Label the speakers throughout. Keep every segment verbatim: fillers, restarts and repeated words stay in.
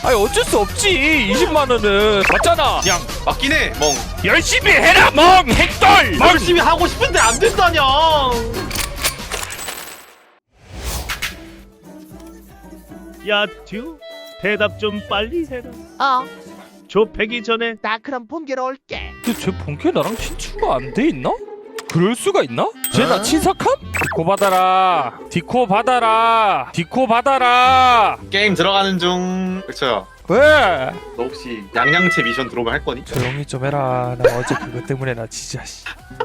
Speaker 1: 아니 어쩔 수 없지. 이십만 원은 맞잖아. 양
Speaker 2: 맞긴 해. 멍.
Speaker 1: 열심히 해라 멍. 핵돌 멍.
Speaker 2: 열심히 하고 싶은데 안 된다냐.
Speaker 3: 야, 듀, 대답 좀 빨리 해라.
Speaker 4: 어,
Speaker 3: 좁히기 전에
Speaker 4: 나 그럼 본계로 올게.
Speaker 1: 근데 쟤 본캐 나랑 친추가 안 돼 있나? 그럴 수가 있나? 쟤 나 친삭함? 디코 받아라. 디코 받아라. 디코 받아라.
Speaker 2: 게임 들어가는 중. 그쵸.
Speaker 1: 왜?
Speaker 2: 너 혹시 양양채 미션 들어오면 할 거니?
Speaker 1: 조용히 좀 해라. 나 어제 그것 때문에 나 진짜 씨.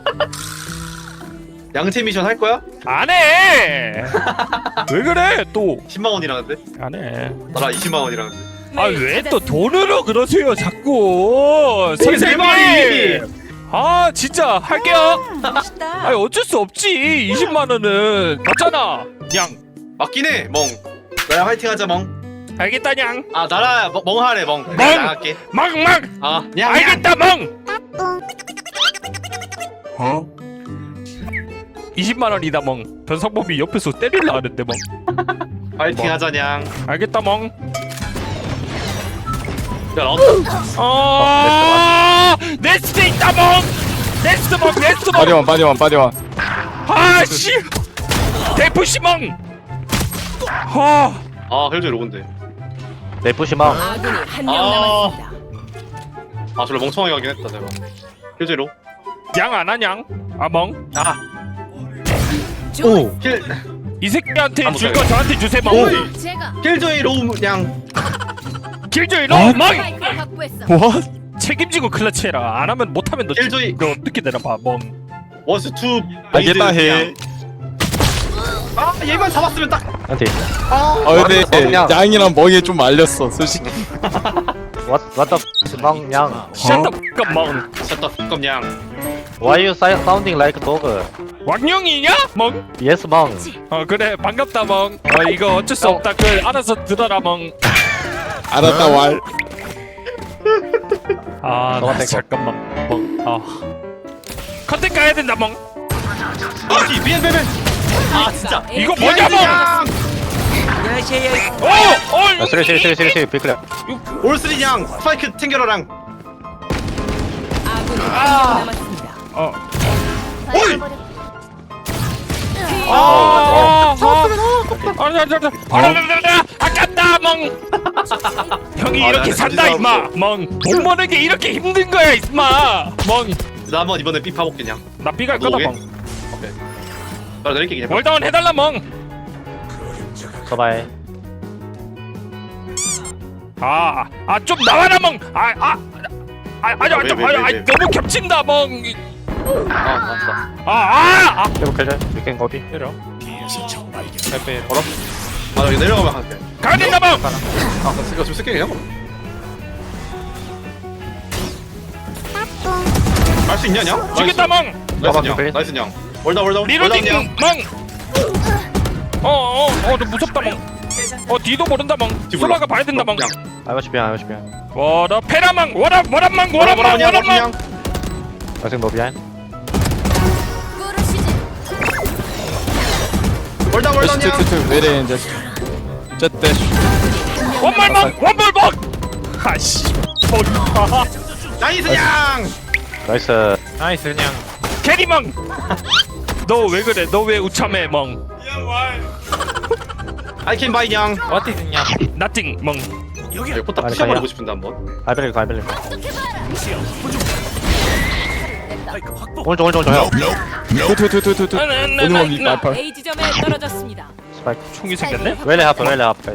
Speaker 2: 양채 미션 할 거야?
Speaker 1: 안 해. 왜 그래 또?
Speaker 2: 십만 원이라는데?
Speaker 1: 안 해.
Speaker 2: 나라 이십만 원이라는데.
Speaker 1: 아 왜 또 돈으로 그러세요 자꾸.
Speaker 2: 내
Speaker 1: 선생님.
Speaker 2: 말이!
Speaker 1: 아 진짜 할게요.
Speaker 4: 멋있다.
Speaker 1: 아니 어쩔 수 없지. 이십만 원은 맞잖아. 양
Speaker 2: 맞긴 해. 멍. 나랑 화이팅 하자 멍.
Speaker 1: 알겠다 냥.
Speaker 2: 아 나라 멍, 멍 하래 멍.
Speaker 1: 멍!
Speaker 2: 내가 나갈게.
Speaker 1: 막막.
Speaker 2: 아 냥.
Speaker 1: 알겠다 멍. 어? 이십만 원이다 멍. 변상범이 옆에서 때릴라 하는데 멍.
Speaker 2: 화이팅
Speaker 1: 멍.
Speaker 2: 하자 냥.
Speaker 1: 알겠다 멍.
Speaker 2: 야 너.
Speaker 1: 어. 네스트 있다 멍. 네스트 멍. 네스트 멍.
Speaker 5: 빠디원 빠디원 빠디원.
Speaker 1: 아씨. 대푸시 멍. 하.
Speaker 2: 아 헬조이 로건데.
Speaker 6: 내부시망.
Speaker 7: 아군이 한 명
Speaker 2: 아.
Speaker 7: 남았습니다.
Speaker 2: 아 저를 멍청하게 하긴 했다 제가. 헬조이로.
Speaker 1: 양 안 하냥? 아 멍.
Speaker 2: 아.
Speaker 6: 오.
Speaker 2: 힐.
Speaker 1: 이 새끼한테
Speaker 2: 한번
Speaker 1: 줄 거 저한테 주세요 멍.
Speaker 2: 오.
Speaker 7: 제가
Speaker 2: 힐조이 로우 냥.
Speaker 1: 길조이로
Speaker 5: 아?
Speaker 1: 멍.
Speaker 7: 스파이크를 확보했어.
Speaker 5: 뭐?
Speaker 1: 책임지고 클러치해라. 안 하면 못 하면 너
Speaker 2: 힐조이.
Speaker 1: 너 어떻게 되나 봐 멍.
Speaker 2: 원스 투.
Speaker 5: 알겠다 해.
Speaker 2: 아 얘만 잡았으면 딱.
Speaker 6: 한테.
Speaker 5: 아 근데
Speaker 6: 그냥.
Speaker 5: 양이랑 멍이 좀 말렸어 솔직히.
Speaker 6: What what the 망 양.
Speaker 1: 샷다 X가 멍.
Speaker 2: 쳤다 뚜껑 양.
Speaker 6: Why you si- sounding like dog?
Speaker 1: 왕룡이냐? 멍.
Speaker 6: Yes 망.
Speaker 1: 어 그래 반갑다 멍. 어 이거 어쩔 수
Speaker 6: 어.
Speaker 1: 없다. 그 알아서 들어라 멍.
Speaker 5: 알았다 왈.
Speaker 1: 아
Speaker 6: 너가
Speaker 1: 나
Speaker 6: 뺄 거.
Speaker 1: 잠깐만 멍. 아 컨택 가야 된다 멍.
Speaker 2: 아기 미안 미안. 아 진짜.
Speaker 1: 이거 뭐냐 멍. 오! 어!
Speaker 6: 쓰리 쓰리 쓰리 쓰리 쓰리 비클레.
Speaker 2: 올스리 양. 스파이크 챙겨라랑.
Speaker 7: 아군이 한 명 남았습니다.
Speaker 1: 어.
Speaker 2: 오이.
Speaker 1: 아! 아! 아! 아니 아니 아니. 아니 아깝다 멍. 형이
Speaker 2: 아,
Speaker 1: 이렇게
Speaker 2: 나
Speaker 1: 산다
Speaker 2: 진짜
Speaker 1: 임마. 멍. 돈 버는 게 이렇게 힘든 거야 임마. 멍.
Speaker 2: 나 한번 이번에 삐 파볼게 냥.
Speaker 1: 나 삐갈
Speaker 2: 너
Speaker 1: 거다
Speaker 2: 오게?
Speaker 1: 멍.
Speaker 2: 오케이. 나 내릴게 그냥.
Speaker 1: 월다운 해달라 멍.
Speaker 6: 서바이.
Speaker 1: 아, 아 좀 나와라 멍. 아, 아, 아, 아니,
Speaker 2: 왜,
Speaker 1: 아니,
Speaker 2: 왜,
Speaker 1: 아니,
Speaker 2: 왜,
Speaker 1: 아니,
Speaker 2: 왜?
Speaker 1: 너무 겹친다 멍.
Speaker 2: 아 맞다.
Speaker 1: 아, 아, 아.
Speaker 6: 비클레. 비켄 거비.
Speaker 1: 때려.
Speaker 2: 빼빼 걸어. 아 여기 내려가면 할게.
Speaker 1: 가야 된다 멍.
Speaker 2: 아 이거 좀 쓸게 그냥. 할 수 있냐 냥?
Speaker 1: 죽겠다 멍.
Speaker 2: 나이스
Speaker 6: 나만
Speaker 2: 냥.
Speaker 6: 그래?
Speaker 2: 나이스 냥. 월다 월다 월다
Speaker 1: 리로딩
Speaker 2: 냥.
Speaker 1: 멍. 어, 어, 어, 너 무섭다 멍. 어, 뒤도 모른다 멍.
Speaker 2: 뒤 몰라.
Speaker 1: 소바가 봐야 된다 멍.
Speaker 2: 냥.
Speaker 6: 아이머시 비안 아이머시 비안.
Speaker 1: 워라 페라망, 워라 워라망,
Speaker 2: 뭐라 뭐라
Speaker 1: 워라망,
Speaker 2: 냥.
Speaker 1: 워라망.
Speaker 2: 냥.
Speaker 6: 아직 너 비안.
Speaker 7: 꾸르시지.
Speaker 2: 월다 월다 냥.
Speaker 5: 투투투 왜래 이제. 쨌대.
Speaker 1: 원말망, 원볼먹. 아씨. 아,
Speaker 2: 나이스 냥.
Speaker 6: 나이스.
Speaker 1: 나이스 그냥. 캐리망. 너 왜 그래? 너 왜 우참해 멍?
Speaker 2: I can buy 냥.
Speaker 1: 어디냐? 나띵 멍.
Speaker 2: 여기 포탑
Speaker 6: 아니,
Speaker 2: 피셔버리고
Speaker 6: 아니야.
Speaker 2: 싶은데 한번.
Speaker 6: 아이벨리 아이벨리. 오른쪽 오른쪽 오른쪽 형.
Speaker 5: 투투투투투. 오늘 원리 말팔.
Speaker 7: A 지점에 떨어졌습니다.
Speaker 6: 스파이크.
Speaker 1: 총이 생겼네?
Speaker 6: 웰레 하프 웰레 하프.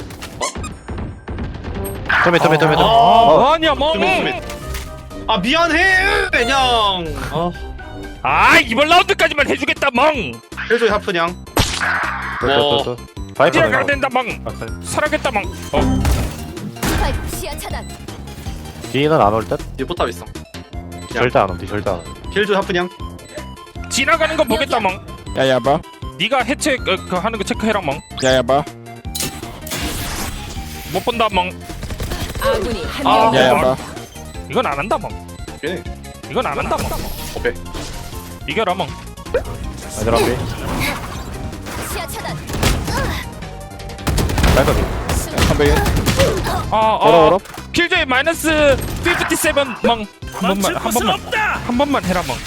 Speaker 6: 토미 토미 토미 토미.
Speaker 2: 아.
Speaker 6: 어.
Speaker 1: 아니야 멍.
Speaker 2: 수민 수민. 아 미안해 냥. 아
Speaker 1: 아 이번 라운드까지만 해주겠다 멍.
Speaker 2: 헬조이 하프 냥.
Speaker 6: 또또또. 파이프.
Speaker 1: 뛰어가야 된다 멍. 살아겠다 멍. 어.
Speaker 7: 스파이크 시야 차단.
Speaker 6: 뒤는 안 올 듯?
Speaker 2: 뒤에 포탑 있어.
Speaker 6: 절대 안 옴. 뒤 절대 안 옴.
Speaker 2: 헬조이 하프 냥.
Speaker 1: 지나가는 거 보겠다 멍.
Speaker 5: 야야 봐.
Speaker 1: 네가 해체 그, 그 하는 거 체크해라 멍.
Speaker 5: 야야 봐.
Speaker 1: 못 본다 멍.
Speaker 7: 아군이 한
Speaker 2: 아,
Speaker 7: 명
Speaker 5: 야야
Speaker 7: 남았습니다.
Speaker 5: 봐.
Speaker 1: 이건 안 한다 멍.
Speaker 2: 오케이.
Speaker 1: 이건 안 한다 멍.
Speaker 2: 오케이.
Speaker 1: 이겨라 멍.
Speaker 6: 얘들아 비.
Speaker 7: 시야 차단.
Speaker 6: 파이프 비.
Speaker 5: 컴백인.
Speaker 1: 아,
Speaker 5: 걸어,
Speaker 1: 아,
Speaker 5: 걸어.
Speaker 1: 킬조이 마이너스 오십칠 멍. 한 번만, 한 번만, 한 번만 해라 멍.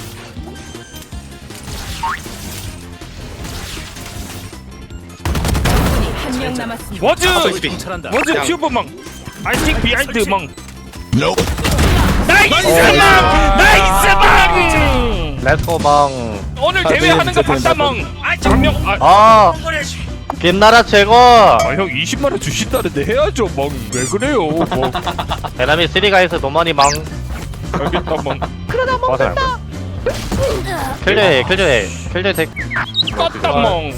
Speaker 7: 적군이 한 명 남았습니다.
Speaker 1: 워즈,
Speaker 2: 오십이.
Speaker 1: 워즈
Speaker 2: 그냥-
Speaker 1: 튜브 멍. I think behind 멍. 나이스 멍, 나이스 멍.
Speaker 6: 렛츠고 망.
Speaker 1: 오늘
Speaker 5: 아,
Speaker 1: 대회
Speaker 5: 네,
Speaker 1: 하는 거
Speaker 5: 진짜
Speaker 1: 봤다
Speaker 5: 재밌다.
Speaker 1: 멍. 아, 장명. 아,
Speaker 6: 아 빛나라 최고.
Speaker 1: 아, 형 이십만 원 주신다는데 해야죠 멍. 왜 그래요 멍.
Speaker 6: 베나미 쓰리가이스 노머니 망.
Speaker 1: 알겠다 멍.
Speaker 6: 맞아요. 킬조이 킬조이 킬조이 덱.
Speaker 1: 껐다 멍.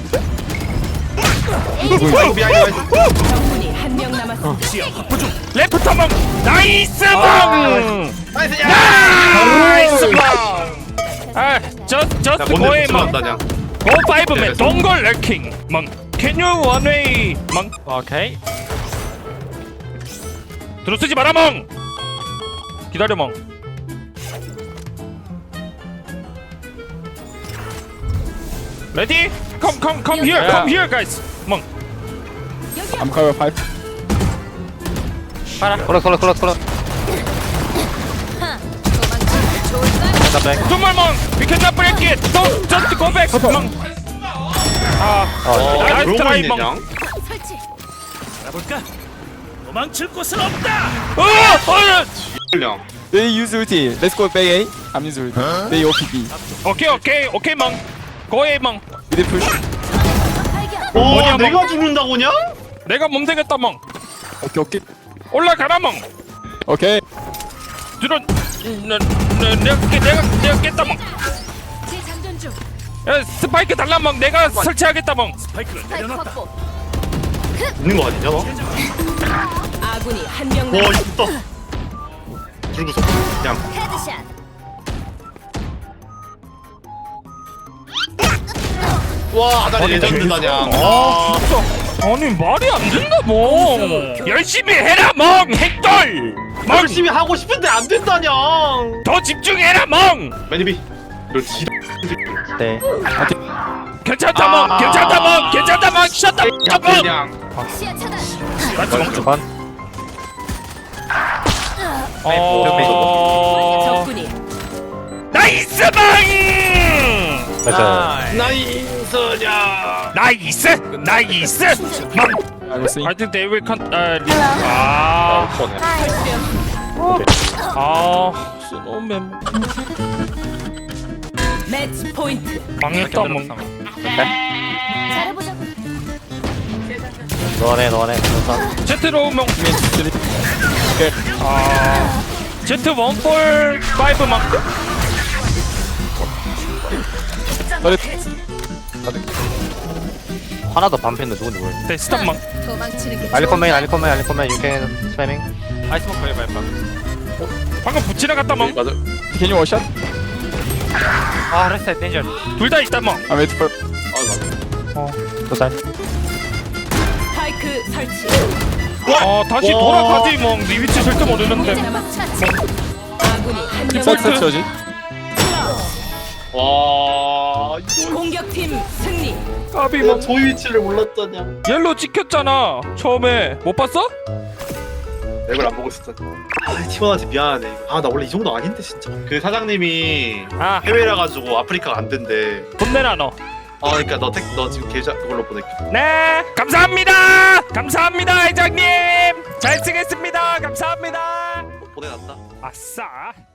Speaker 2: 아이고 미안해
Speaker 7: 적군이 한 명 남았습니다.
Speaker 1: 레프터 멍. 나이스 멍.
Speaker 2: 나이스 야
Speaker 1: 나이스 멍. 아, 저 저스트
Speaker 2: 뭔데
Speaker 1: 고에 멍.
Speaker 2: 붙여놨다냐
Speaker 1: 고 파이브맨 동걸 래킹 멍. Can you one way 멍.
Speaker 6: 오케이.
Speaker 1: 들어쓰지 마라 멍. 기다려 멍. 레디? Come come come here come here guys 멍.
Speaker 5: I'm cover five.
Speaker 6: 클럭 클럭 클럭 클럭.
Speaker 1: 정말 멍. We cannot break it. Don't just go back 멍. 아,
Speaker 6: 어.
Speaker 1: 나이스
Speaker 2: 그러고
Speaker 1: 트라이
Speaker 2: 있네
Speaker 1: 멍.
Speaker 2: 그냥
Speaker 7: 설치.
Speaker 3: 알아볼까? 도망칠 곳은 없다.
Speaker 1: 어, 어,
Speaker 2: 그냥
Speaker 5: They use ulti. Let's go back A. I'm use ulti. They O P B.
Speaker 1: 오케이 오케이 오케이 멍. 고에 멍.
Speaker 5: We did push.
Speaker 2: 오
Speaker 1: 뭐냐,
Speaker 2: 내가
Speaker 1: 뭐.
Speaker 2: 죽는다고냐?
Speaker 1: 내가 몸생겼다 멍.
Speaker 5: 오케이 오케이.
Speaker 1: 올라가라 멍.
Speaker 5: 오케이.
Speaker 1: 들어. 내, 내, 내가 깨- 내가 내가 깼다 멍.
Speaker 7: 재장전 중.
Speaker 1: 야, 스파이크 달라 멍. 내가 설치하겠다 멍.
Speaker 3: 스파이크를
Speaker 7: 스파이크
Speaker 3: 내려놨다.
Speaker 7: 확보.
Speaker 2: 있는 거 아니냐 너?
Speaker 7: 아군이 한 명
Speaker 2: 와
Speaker 7: 남았습니다.
Speaker 2: 이거 들고서 그냥
Speaker 7: 헤드샷.
Speaker 2: 와 아다리 레전드다냐
Speaker 1: 아, 진짜. 아니 말이 안 된다 멍. 열심히 해라 멍. 핵돌. 멍.
Speaker 2: 열심히 하고 싶은데 안 된다냐
Speaker 1: 더 집중해라 멍.
Speaker 2: 매니비 너 지...
Speaker 6: 네.
Speaker 1: 괜찮다 멍.
Speaker 2: 아.
Speaker 1: 괜찮다 멍. 괜찮다 멍. 셧다 멍.
Speaker 2: 그냥
Speaker 7: 시야 차단.
Speaker 1: 같이 멍.
Speaker 6: 두 번.
Speaker 1: 어.
Speaker 7: 적군이
Speaker 1: 나이스 멍.
Speaker 6: 맞아.
Speaker 2: 나이스냐
Speaker 1: 나이스. 나이스. 멍.
Speaker 5: I was saying.
Speaker 1: I think they will con. 아, 리... 아. 아. 스노맨.
Speaker 7: 매치 포인트.
Speaker 1: 망했다 멍.
Speaker 7: 잘해보자고.
Speaker 6: 너네 너네. 우선.
Speaker 1: 제트로 멍.
Speaker 5: 오케이.
Speaker 1: 아. 제트 원볼 파이브 멍.
Speaker 5: Got it.
Speaker 6: 하나도 반패인데 누군지 모르겠어.
Speaker 1: 네, 스탑 멍.
Speaker 7: 도망치는 게
Speaker 6: 알리콘맨 알리콘맨 알리콘맨 유캔 스패밍.
Speaker 1: 방금 붙이나 갔다 멍.
Speaker 2: 맞아
Speaker 5: Can you wash up?
Speaker 1: 둘 다 있다 멍.
Speaker 5: I'm waiting for.
Speaker 2: 아 맞아
Speaker 6: 두 살.
Speaker 7: 스파이크 설치.
Speaker 1: 어, 다시
Speaker 2: 와.
Speaker 1: 돌아가지 멍. 네 위치 절대 모르는데.
Speaker 7: 남았습니다. 아군이 한 명
Speaker 5: Set set
Speaker 7: 남았습니다.
Speaker 5: 저지.
Speaker 2: 와 이거
Speaker 7: 공격팀 승리.
Speaker 1: 까비
Speaker 2: 내가
Speaker 1: 멍.
Speaker 2: 저 위치를 몰랐다냐
Speaker 1: 옐로 찍혔잖아. 처음에 못 봤어?
Speaker 2: 맵을 안 보고 있었다 아 티원한테 미안하네 이거 아나 원래 이 정도 아닌데 진짜 그 사장님이
Speaker 1: 아,
Speaker 2: 해외라 가지고 아프리카가 안 된대
Speaker 1: 돈 내놔 너.
Speaker 2: 아 그러니까 너, 택, 너 지금 계좌 그걸로 보낼게
Speaker 1: 네, 감사합니다. 감사합니다, 회장님. 잘 쓰겠습니다. 감사합니다.
Speaker 2: 보내놨다
Speaker 1: 아싸.